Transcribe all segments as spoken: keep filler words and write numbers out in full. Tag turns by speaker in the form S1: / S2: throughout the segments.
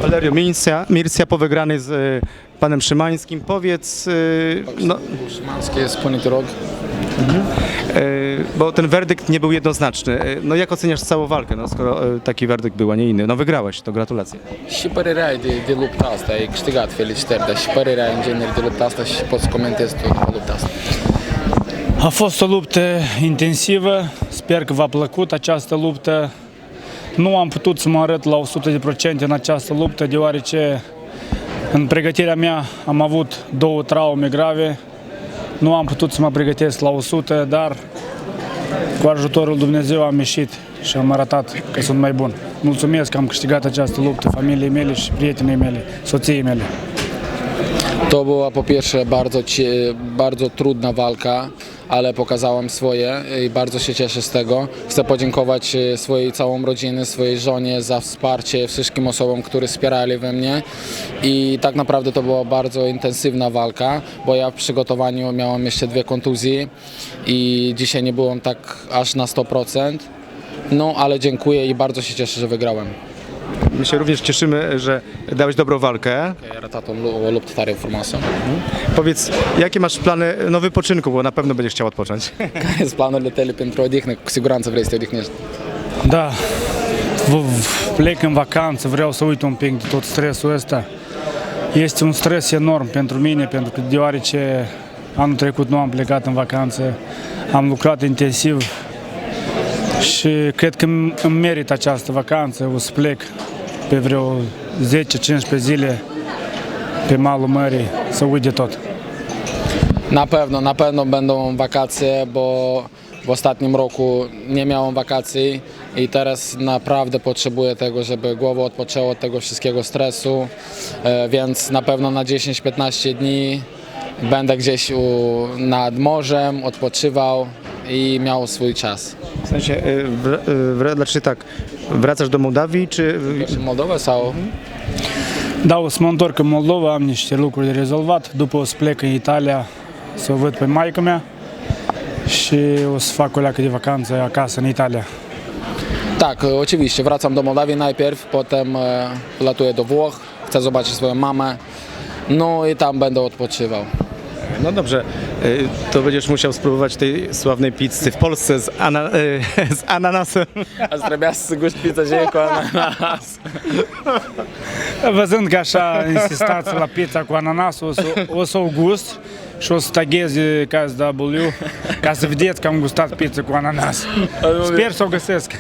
S1: Valerio Mircia, Mircia po wygranej z y, panem Szymańskim. Powiedz, y, no,
S2: Szymański jest ponity rok.
S1: y, bo ten werdykt nie był jednoznaczny. Y, No jak oceniasz całą walkę, no, skoro y, taki werdykt był, a nie inny? No wygrałeś, to gratulacje.
S2: Și părerea de, de lupta asta, ai câștigat, felicitări, dar și părerea în genere de lupta asta și poți să comentezi tu după lupta asta.
S3: A fost o luptă intensivă, sper că v-a plăcut această luptă. Nu am putut să mă arăt la o sută la sută în această luptă, deoarece în pregătirea mea am avut două traume grave. Nu am putut să mă pregătesc la o sută, dar cu ajutorul Dumnezeu am ieșit și am arătat că sunt mai bun. Mulțumesc că am câștigat această luptă familiei mele și prietenii mele, soției mele.
S2: To była po pierwsze bardzo, cie- bardzo trudna walka, ale pokazałam swoje i bardzo się cieszę z tego. Chcę podziękować swojej całą rodzinie, swojej żonie za wsparcie, wszystkim osobom, które wspierali we mnie i tak naprawdę to była bardzo intensywna walka, bo ja w przygotowaniu miałem jeszcze dwie kontuzje i dzisiaj nie byłem tak aż na sto procent. No ale dziękuję i bardzo się cieszę, że wygrałem.
S1: My się również cieszymy, że dałeś dobrą walkę.
S2: Ai arătat o lu- o luptă tare frumoasă.
S1: Powiedz, jakie masz plany no, wypoczynku, bo na pewno będziesz chciał odpocząć.
S2: Care sunt planurile tale pentru odihnă? Cu siguranță vrei să te odihnești.
S3: Da, v- v- plec în vacanță, vreau să uit un pic de tot stresul ăsta. Este un stres enorm pentru mine, pentru că deoarece anul trecut nu am plecat în vacanță, am lucrat intensiv și cred că îmi îmi merit această vacanță. O să plec pe vreo zece cincisprezece zile pe malul mării să uit de tot.
S2: Na pewno, na pewno będą wakacje, bo w ostatnim roku nie miałem wakacji i teraz naprawdę potrzebuję tego, żeby głowa odpoczęła od tego wszystkiego stresu, e, więc na pewno na dziesięć piętnaście dni będę gdzieś u, nad morzem, odpoczywał i miał swój czas.
S1: W sensie, y, wr- y, wr- znaczy tak, wracasz do Mołdawii, czy...
S2: În Moldova sau?
S3: Da, o să mă întorc în Moldova, am niște lucruri de rezolvat, după o să plec în Italia să o văd pe maică mea și o să fac o leacă de vacanță acasă în Italia.
S2: Tak, oczywiście, wracam do Mołdawii najpierw, potem e, latuję do Włoch, chcę zobaczyć swoją mamę, no i tam będę odpoczywał.
S1: No dobrze, y, to będziesz musiał spróbować tej sławnej pizzy w Polsce z, ana- y, z ananasem.
S2: Azi trebuia să gust pizza și cu ananas.
S3: Văzând că așa insistați la pizza cu ananas, o să, o să o gust și o să taghez K S W ca să vedeți că am gustat pizza cu ananas. Sper să o găsesc.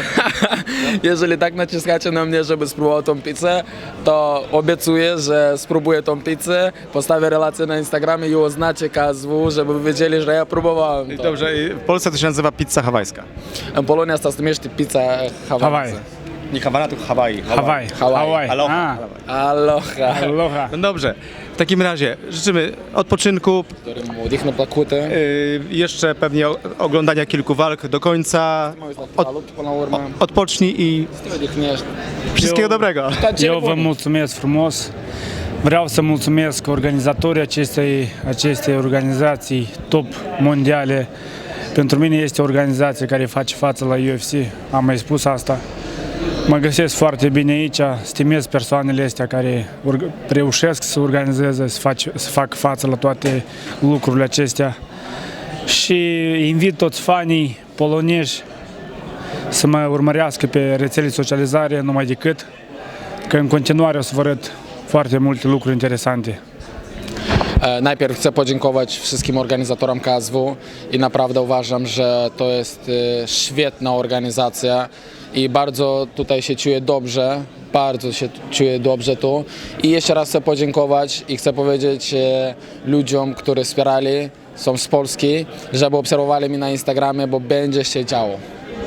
S2: Jeżeli tak naciskacie na mnie, żeby spróbował tą pizzę, to obiecuję, że spróbuję tą pizzę, postawię relację na Instagramie i oznaczę K S W, żeby wy wiedzieli, że ja próbowałem to.
S1: Dobrze, y, w Polsce to się nazywa pizza hawajska.
S2: În Polonia asta se numește pizza
S3: Hawaii.
S2: Hawaii.
S1: Nie Hawana, tylko Hawaii.
S3: Hawaii.
S2: Hawaii.
S1: Aloha.
S3: Ah,
S2: Aloha.
S3: aloha.
S1: No dobrze, w takim razie życzymy odpoczynku,
S2: Dorim odihnă plăcută.
S1: y, jeszcze pewnie o- oglądania kilku walk do końca.
S2: Mă uit la luptă până la urmă.
S1: Odpocznij i
S2: Să te odihnești.
S1: wszystkiego
S3: Eu-
S1: dobrego.
S3: Eu vă mulțumesc frumos. Vreau să mulțumesc organizatorii acestei, acestei organizații top mondiale. Pentru mine este o organizație care face față la U F C, am mai spus asta. Mă găsesc foarte bine aici, stimez persoanele astea care urg- reușesc să organizeze, să, fac, să fac față la toate lucrurile acestea. Și invit toți fanii polonezi să mă urmărească pe rețele de socializare numai decât, că în continuare o să vă arăt foarte multe lucruri interesante.
S2: E, Najpierw chcę podziękować wszystkim organizatorom K S W i naprawdę uważam, że to jest e, świetna organizacja i bardzo tutaj się czuję dobrze, bardzo się czuję dobrze tu i jeszcze raz chcę podziękować i chcę powiedzieć e, ludziom, którzy wspierali, są z Polski, żeby obserwowali mnie na Instagramie, bo będzie się działo.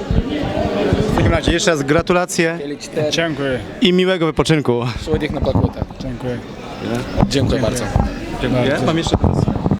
S1: W takim razie jeszcze raz gratulacje
S2: Felicitări
S3: Dziękuję.
S1: i miłego wypoczynku.
S2: și odihnă plăcută.
S3: Dziękuję.
S2: Dziękuję bardzo.
S1: Dziękuję. Mam jeszcze